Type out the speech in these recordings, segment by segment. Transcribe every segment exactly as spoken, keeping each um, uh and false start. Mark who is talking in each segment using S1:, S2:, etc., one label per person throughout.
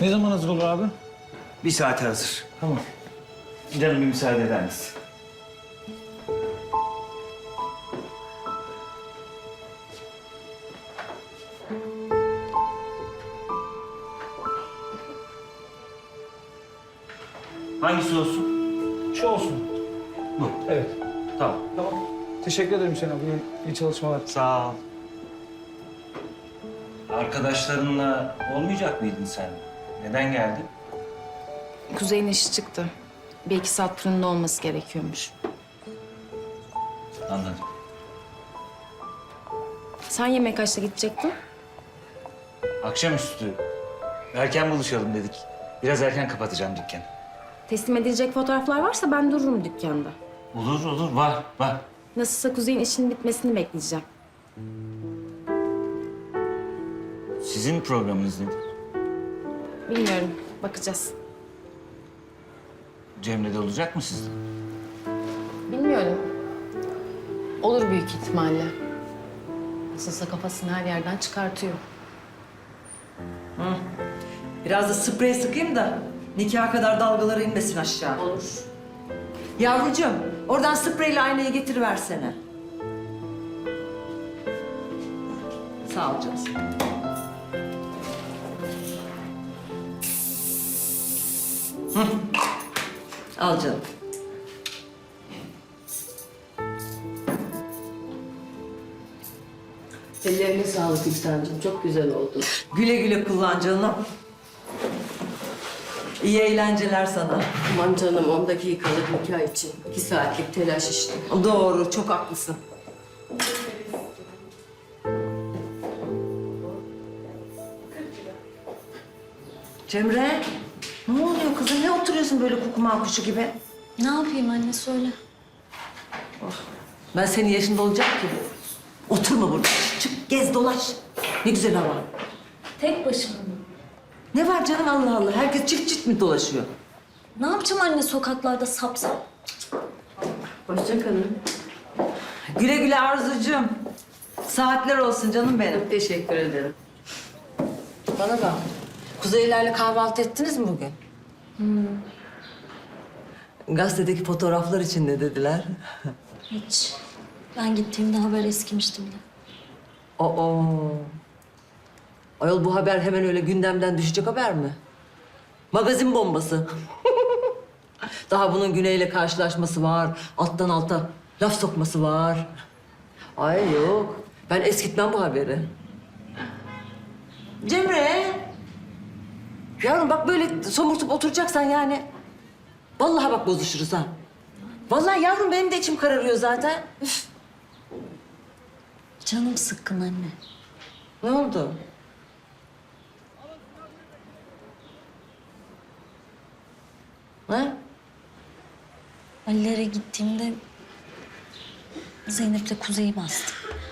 S1: Ne zaman hazır olur abi?
S2: Bir saate hazır.
S1: Tamam.
S2: Canım bir müsaade eder misin? Hangisi olsun?
S1: Şu olsun.
S2: Bu.
S1: Evet.
S2: Tamam.
S1: Tamam. Teşekkür ederim Hüseyin abi. İyi, iyi çalışmalar.
S2: Sağ ol. Arkadaşlarınla olmayacak mıydın sen? Neden geldin?
S3: Kuzey'in işi çıktı. Bir iki saat fırında olması gerekiyormuş.
S2: Anladım.
S3: Sen yemek kaçta gidecektin?
S2: Akşamüstü erken buluşalım dedik. Biraz erken kapatacağım dükkanı.
S3: Teslim edilecek fotoğraflar varsa ben dururum dükkanda.
S2: Olur olur var var.
S3: Nasılsa Kuzey'in işinin bitmesini bekleyeceğim.
S2: Sizin programınız nedir?
S3: Bilmiyorum, bakacağız.
S2: Cemre de olacak mı sizde?
S3: Bilmiyorum. Olur büyük ihtimalle. Nasılsa kafasını her yerden çıkartıyor.
S4: Biraz da sprey sıkayım da nikaha kadar dalgaları inmesin aşağı.
S3: Olur.
S4: Yavrucuğum, oradan spreyle aynayı getiriversene. Sağ ol canım. Hı. Al canım.
S5: Ellerine sağlık İhsan'cığım. Çok güzel oldu.
S4: Güle güle kullan canım. İyi eğlenceler sana.
S5: Aman canım on dakikalık nikah için. iki saatlik telaş işte.
S4: Doğru, çok haklısın. Cemre, ne oluyor kızım? Ne oturuyorsun böyle kukuma kuşu gibi?
S6: Ne yapayım anne söyle.
S4: Ben senin yaşında olacak ki. Oturma burada. Çık, gez, dolaş. Ne güzel hava.
S6: Tek başıma mı?
S4: Ne var canım Allah Allah? Herkes çift çift mi dolaşıyor?
S6: Ne yapacağım anne sokaklarda sap sap?
S5: Hoşça kalın.
S4: Güle güle Arzucuğum. Saatler olsun canım benim.
S5: Çok teşekkür ederim.
S4: Bana bak. Kuzeylerle kahvaltı ettiniz mi bugün? Hmm. Gazetedeki fotoğraflar için ne dediler?
S6: Hiç. Ben gittiğimde haber eskimişti bile.
S4: Oo. Ayol bu haber hemen öyle gündemden düşecek haber mi? Magazin bombası. Daha bunun Güney'le karşılaşması var. Alttan alta laf sokması var. Ay yok. Ben eskitmem bu haberi. Cemre. Yavrum bak böyle somurtup oturacaksan yani. Vallahi bak bozuşuruz ha. Vallahi yavrum benim de içim kararıyor zaten. Üf.
S6: Canım sıkkın anne.
S4: Ne oldu? Ha?
S6: Ali'lere gittiğimde Zeynep'le Kuzey'i bastı.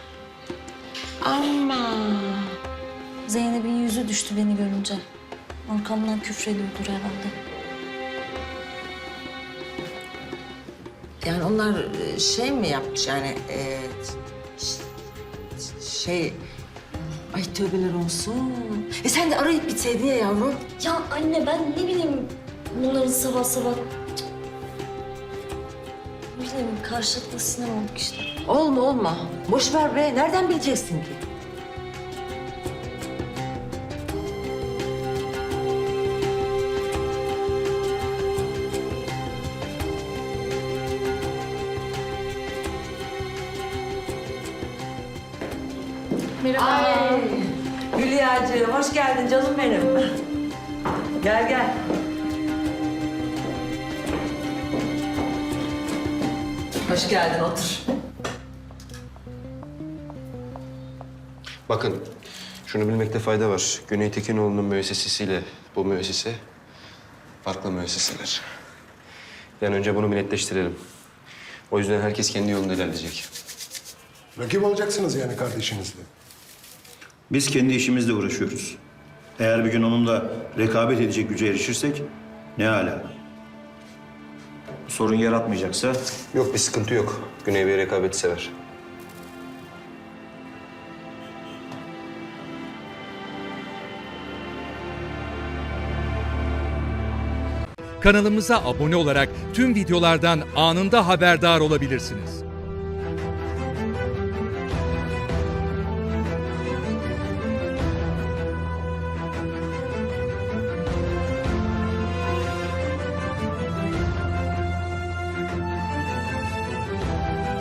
S4: Ama.
S6: Zeynep'in yüzü düştü beni görünce. Arkamdan küfrediyordur herhalde.
S4: Yani onlar e, şey mi yapmış yani e, ş- şey... Ay tövbeler olsun. E sen de arayıp bitseydin ya yavrum.
S6: Ya anne ben ne bileyim bunların sabah sabah... Cık. Ne bileyim karşılıklı sinir olduk işte.
S4: Olma olma. Boş ver be. Nereden bileceksin ki?
S3: Merhaba.
S4: Ay. Hülya'cığım hoş geldin canım benim. Gel gel. Hoş geldin otur.
S7: Bakın, şunu bilmekte fayda var. Güney Tekinoğlu'nun müessesesiyle bu müessese farklı müesseseler. Yani önce bunu bir netleştirelim. O yüzden herkes kendi yolunda ilerleyecek.
S8: Rakip olacaksınız yani kardeşinizle.
S9: Biz kendi işimizle uğraşıyoruz. Eğer bir gün onunla rekabet edecek güce erişirsek ne âlâ. Sorun yaratmayacaksa
S7: Yok, bir sıkıntı yok. Güney Bey rekabeti sever.
S10: Kanalımıza abone olarak tüm videolardan anında haberdar olabilirsiniz.